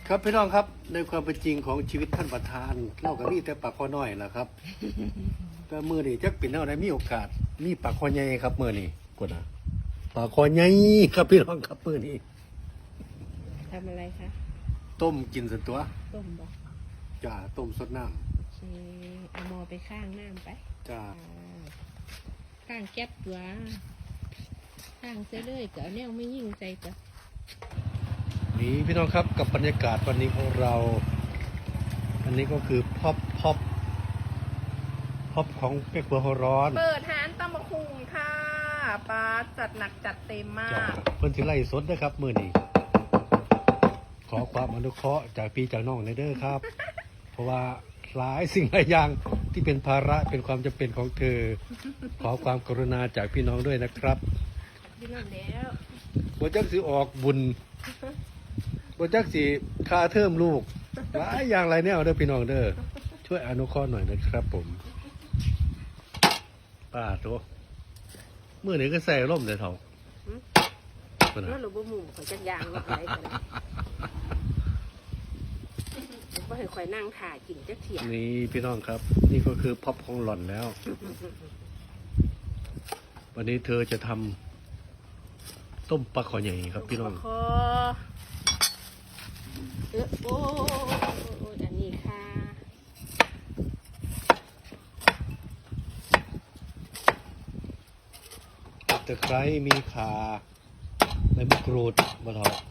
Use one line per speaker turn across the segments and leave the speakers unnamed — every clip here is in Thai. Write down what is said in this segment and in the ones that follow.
ครับพี่น้องครับในความเป็นจริงของชีวิตท่านประธานเล่ากับนี่แต่ปากคอน้อยแหละครับ แต่มือนี่จักเป็นเอาได้มีโอกาสมีปากคอใหญ่ครับมือนี่กดนะปากคอใหญ่ครับพี่น้องครับมือนี่
ทำอะไรคะ
ต้มกินส่วนตัว
ต้มบอก
จ้าต้มสดน้
โอเคเอาหมอไปข้างน้ำไป
ำจ้า
ข้างแก๊บตัวข้างเส้เลยก็เอาแนวไม่ยิ่งใจจ้ะ
นี่พี่น้องครับกับบรรยากาศวันนี้ของเรา อันนี้ก็คือพ็อปของเป็กหัวหัวร้อน
เปิดร้านตำบักหุ่งค่ะป้าจัดหนักจัดเต็มมา
จ้าก เพิ่นสิไล่สดนะครับมือนี้ขอความอนุเคราะห์จากพี่จากน้องในเด้อครับ เพราะว่าหลายสิ่งหลายอย่างที่เป็นภาระเป็นความจำเป็นของเธอ ขอความกรุณาจากพี่น้องด้วยนะครับ
พี่น้องแล้ว
บ่จักสิออกบุญบ่จักสิค่าเทอมลูกหลายอย่างหลายแนวเด้อพี่น้องเด้อช่วยอนุเคราะห์หน่อยนะครับผมป้าโตมื้อนี้ก็ใส่ร่มแต่เฒ่าพุ่น
นั่
น่ะ
นหรือบ่หมูข่อยจักยางลงไปกันบ่ให้ข่อยนั่งถ่ากินจักเถีย
นี่พี่น้องครับ นี่ก็คือพ็อปของหล่อนแล้ว วันนี้เธอจะทำต้มปลาขอใหญ่ครับพี่น้อง
คอโอ้อันนี้ค่ะ
ตะไคร้มีข่าใบมะกรูดมะเถาะ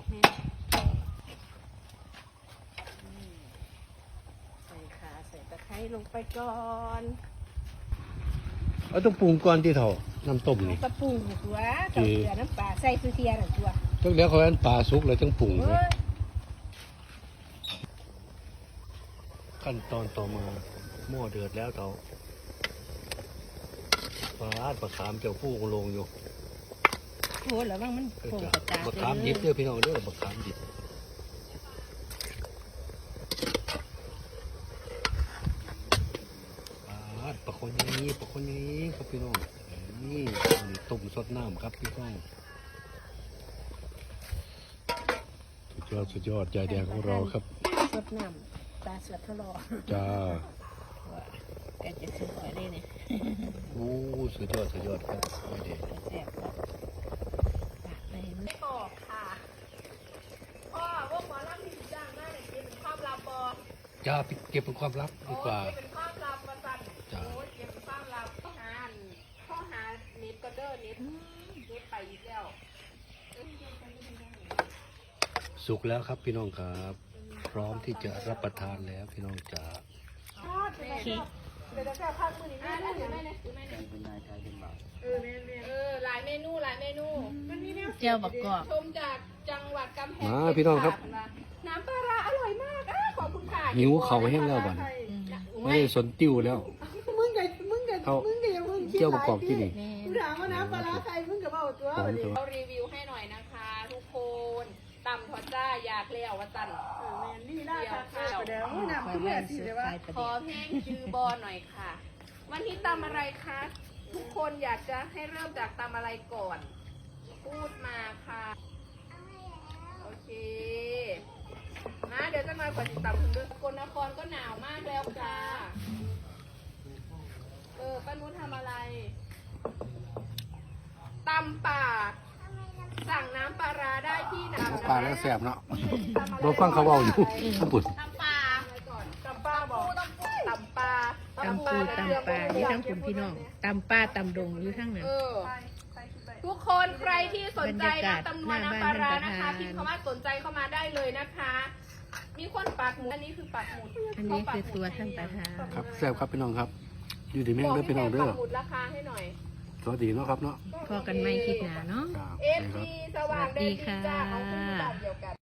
ใส่ขาใส่ตะไคร้ลงไปก่อน
เอาต้องปรุงก่อนที่เถาน้ำต้มนี่
กระปุงตัวกับเกลือน้ำปลาใส่คือเทียนตัว
จักเดี๋ยวเขาอันปลาสุกเลยต้องปรุง
เฮ้ย
ขั้นตอนต่อมาหม้อเดือดแล้วเถาปลาปลาขามเจ้าผู้ลงอยู่
โหแล้วว่ามันโป่ง
จะ
กระจาด
มะขามดิบเด้อพี่น้องเด้อมะขามดิบปลาคนนี้ครับพี่น้องนี่ต้มสดน้ำครับพี่น้องสุดยอดยายแดงของเราครับ
สดน้ำปลาสดทะเลาะ
จ้า
แกจะสวยเลยเนี่ย
โอ้สุดยอดครับยายแดง
แซ่บครับปากเลยมัน
ไม่บอกค่ะพ่อว่าหมอลำที่จ้างได้เนี่ยเป็นความลับบอ
จ้าเก็บเป็นความลับดีกว่า
เป็นความลับมาสั่น
จ้ะ
โอ้ยเก็บเป็นความลับข้อหาเน็ตก็เด้อเน็ตไปอีกแล้ว
สุกแล้วครับพี่น้องครับ พร้อมที่จะรับประทานแล้วพี่น้องจ๋า
เค้ก
เดี๋ยวจะแค่พักมือนี้ไม่ได้ถือไม่ได้หลายเมนูมันมีแนว
เจียวบักกอก
ชมจากจังหวัดกำแพง
มาพี่น้องครับ
น้ำปลาร้าอร่อยมากขอบคุณค่ะ
หิวเขาแห้งแล้วบัดไม่ได้สนติ้วแล้ว
มึงกับ
เขา
อย่ามึงคิด
เจียวประกอบที่นี่
แม่
กูถามว่าน้ำปลาร้าใครมึงกับเอาตัว
ผม
วันนี้
ตัว
เรารีวิวให้หน่อยนะคะทุกคนตำทอดจ้าอยากเลี้ยวว่าตัน
แมนนี่ได้ค่ะเดี๋ยวน้ำ
คอย
เพื่
ไว้
อสิ
ซื้อ
เดี๋ยวว่า
ขายประ
ขอ
เดี๋ยว
เพลงจือบอหน่อยค่ะ วันนี้ตำอะไรคะทุกคนอยากจะให้เริ่มจากตำอะไรก่อน พูดมาค่ะโอเคมาเดี๋ยวจะมาก่อนติดตามคุณด้วยสกลนครก็หนาวมากแล้วค่ะป้านุชทำอะไรตำป่าสั่งน้ำปลาร้าได้ที่ไหน
ปลาแล้วแสบเนาะเราฟังเขาเบาอยู่ญี่ปุ่น
ตำปลาตำปลาบอกตำปลา
ตำปูตำปลานี่ทั้งคุณพี่น้องตำป้าตำดงอยู่ทั้งนั้น
ทุกคนใครที่สนใจ
บรรยากาศ
น้ำตำนวน
หน้า
น้ำปลาร้า
บ้าน
นะคะ
ท่านประธาน
พิมพ์คำว่าสนใจเข้ามาได้เลยนะคะ มีคนปักหมุดอันนี้คือปักหมุด
อันนี้คือตัวท่านประธาน
ครับแสบครับพี่น้องครับ อยู่ดีแม่ง
บอก
เด้อพี่น้องเด้อ
ปักหมุดราคาให้หน่อย
สวัสดีเนาะครับเนาะ
พอกันไม่คลิปหนาเนาะ
จ้า
เอฟซีสว่างแดนดีจ้า
สวัสดีค่ะ
ของคุณอยู่บ้านเดียวกัน